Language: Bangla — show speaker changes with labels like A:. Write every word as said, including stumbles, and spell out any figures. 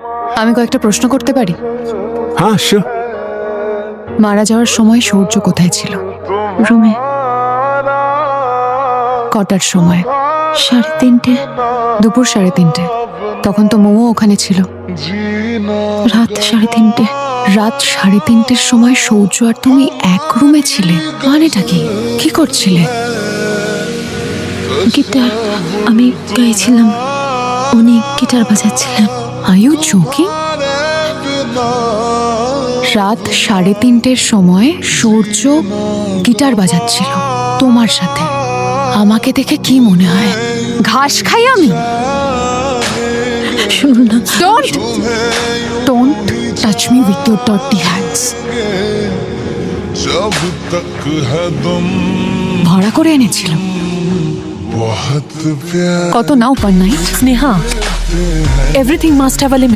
A: আমি কয়েকটা প্রশ্ন করতে পারি?
B: হ্যাঁ শিওর।
A: মারা যাওয়ার সময় সূর্য কোথায় ছিল?
C: রুমে।
A: কটার সময়?
C: সাড়ে তিনটে।
A: দুপুর সাড়ে তিনটে। তখন তো মোমো ওখানে ছিল।
C: রাত সাড়ে তিনটে।
A: রাত সাড়ে তিনটের সময় সূর্য আর তুমি এক রুমে ছিলে? মানেটা কি? কি করছিলে?
C: গিটার আমি গাইছিলাম, উনি গিটার বাজাচ্ছিলেন।
A: Are you joking? রাত সাড়ে তিনটের সময় সূর্য গিটার বাজাচ্ছিল তোমার সাথে। আমাকে দেখে কি মনে হয় ঘাস খাই আমি?
C: শুনুন না,
A: don't don't touch me with your dirty hands.
D: जब तक है तुम
A: ভাড়া করে এনেছিলাম।
D: बहुत प्यार
A: কত নাও per night?
C: Sneha, everything must have a limit.